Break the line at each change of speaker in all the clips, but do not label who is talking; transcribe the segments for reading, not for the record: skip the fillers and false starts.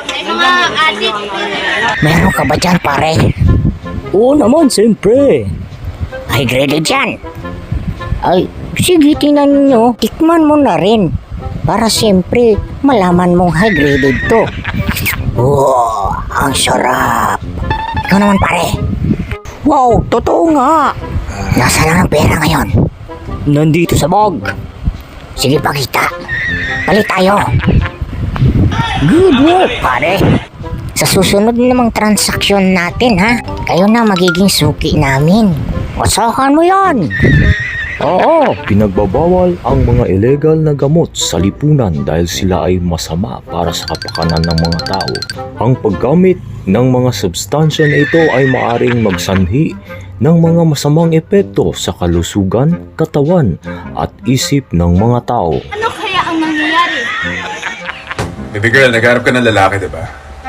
May mga adik.
Meron ka ba dyan, pare? Oo naman, siyempre. High graded yan. Ay, sige, tingnan nyo. Tikman mo na rin. Para siyempre, malaman mong high graded to. Wow, ang sarap. Ikaw naman, pare. Wow, totoo nga. Nasaan na ang pera ngayon? Nandito sa bag. Sige, pakita. Palit tayo. Good work, pare. Sa susunod namang transaksyon natin, ha? Kayo na magiging suki namin. Usahan mo yan.
Oo, pinagbabawal ang mga illegal na gamot sa lipunan dahil sila ay masama para sa kapakanan ng mga tao. Ang paggamit ng mga substansya na ito ay maaring magsanhi ng mga masamang epekto sa kalusugan, katawan at isip ng mga tao.
Ano kaya ang nangyayari?
Baby girl, nagharap ka ng lalaki, diba?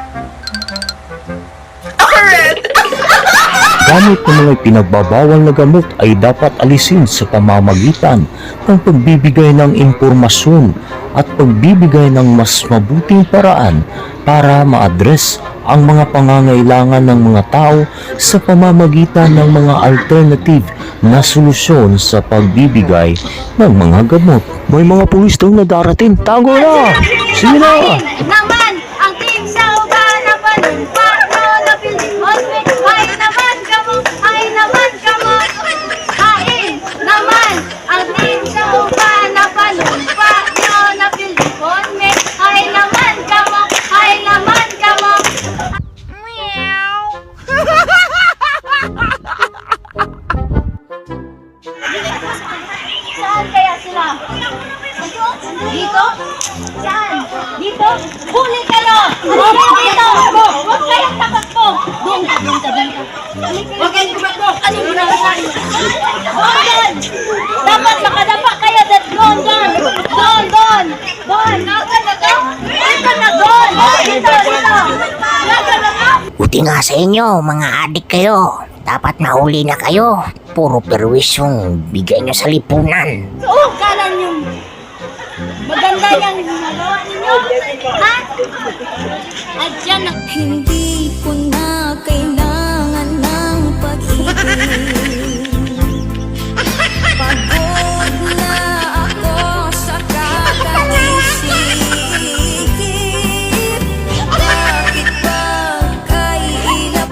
Gamit ng mga pinagbabawal na gamot ay dapat alisin sa pamamagitan ng pagbibigay ng impormasyon at pagbibigay ng mas mabuting paraan para ma-address ang mga pangangailangan ng mga tao sa pamamagitan ng mga alternative na solusyon sa pagbibigay ng mga gamot. May mga pulis daw na darating. Tago na! Sige na!
Naman, ang team sa uban na panumpa. Na building hallway. Ay naman, kamo. Ay naman, kamo. Hain naman, ang team sa uban na panumpa. Na building hallway. Ay naman, kamo. Ay naman, kamo. Meow. Saan kaya sila? Dito? Saan? Dito? Huli kayo! Huli dito! Huwag kayong takot Doon ka, doon ka, doon ka. Huwag kayong tumakbo! Ano mo na sa'yo? Doon! Dapat makadapa kayo that doon! Doon! Doon! Nasaan na to? Dito na doon! Dito! Nasaan na to?
Buti nga sa inyo, mga adik kayo. Dapat nahuli na kayo. Puro perwis yung bigay nyo sa lipunan.
Oo, kala nyo. Maganda yung ginagawa ninyo. Ha? At dyan na.